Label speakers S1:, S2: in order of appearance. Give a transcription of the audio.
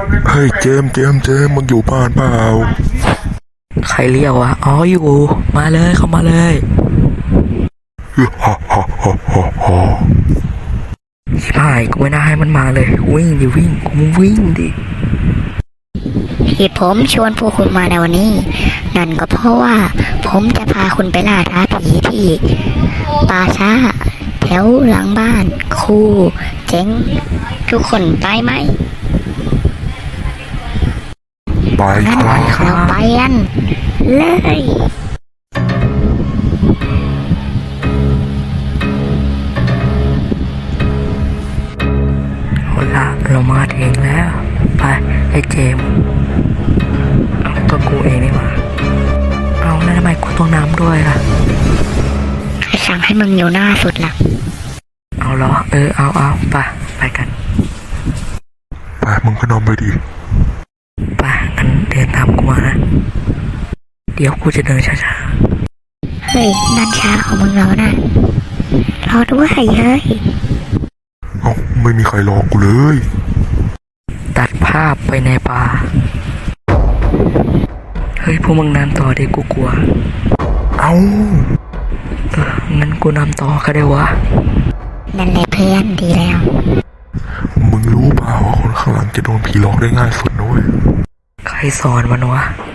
S1: เฮ้ยเจมมึงอยู่บ้านเปล่า
S2: ใครเรียกวะอ๋ออยู่มาเลยเข้ามาเลย
S1: ฮ่าฮ่าฮ่าฮ่าฮ่า
S2: ชิบหายกูไม่น่าให้มันมาเลยวิ่งดิวิ่งกูวิ่งดิ
S3: ที่ผมชวนพวกคุณมาในวันนี้นั่นก็เพราะว่าผมจะพาคุณไปล่าท้าผีที่ป่าช้าแถวหลังบ้านครูเจ๋งทุกคนไปไหม
S1: ไป
S3: งั้น
S1: ครับ
S3: เราไปกันเลย
S2: เอาละเรามาถึงแล้วไปไอ้เจมเอาตัวกูเองนี่มาเอาแล้วทำไมกูต้องน้ำด้วยล่ะ
S3: ใครสั่งให้มึงอยู่หน้าสุดล่ะ
S2: เอาเหรอเอาไปกัน
S1: ไปมึงก็นอนไปดิ
S2: ไปงั้นเดินตามกูมานะเดี๋ยวกูจะเดินช้า
S3: เฮ้ยนั่นช้าของมึงแล้วนะรอด้วยเฮ้ย
S1: เอ้าไม่มีใครรอกูเลย
S2: ตัดภาพไปในป่าเฮ้ยพวกมึงนำต่อดิกูกลัว
S1: เอ้า
S2: งั้นกูนำต่อก็ได้วะ
S3: นั่นแหละเพื่อนดีแล้ว
S1: มึงรู้เปล่าว่าคนข้างหลังจะโดนผีหลอกได้ง่ายสุดนะเว้ย
S2: ใครสอนมันวะ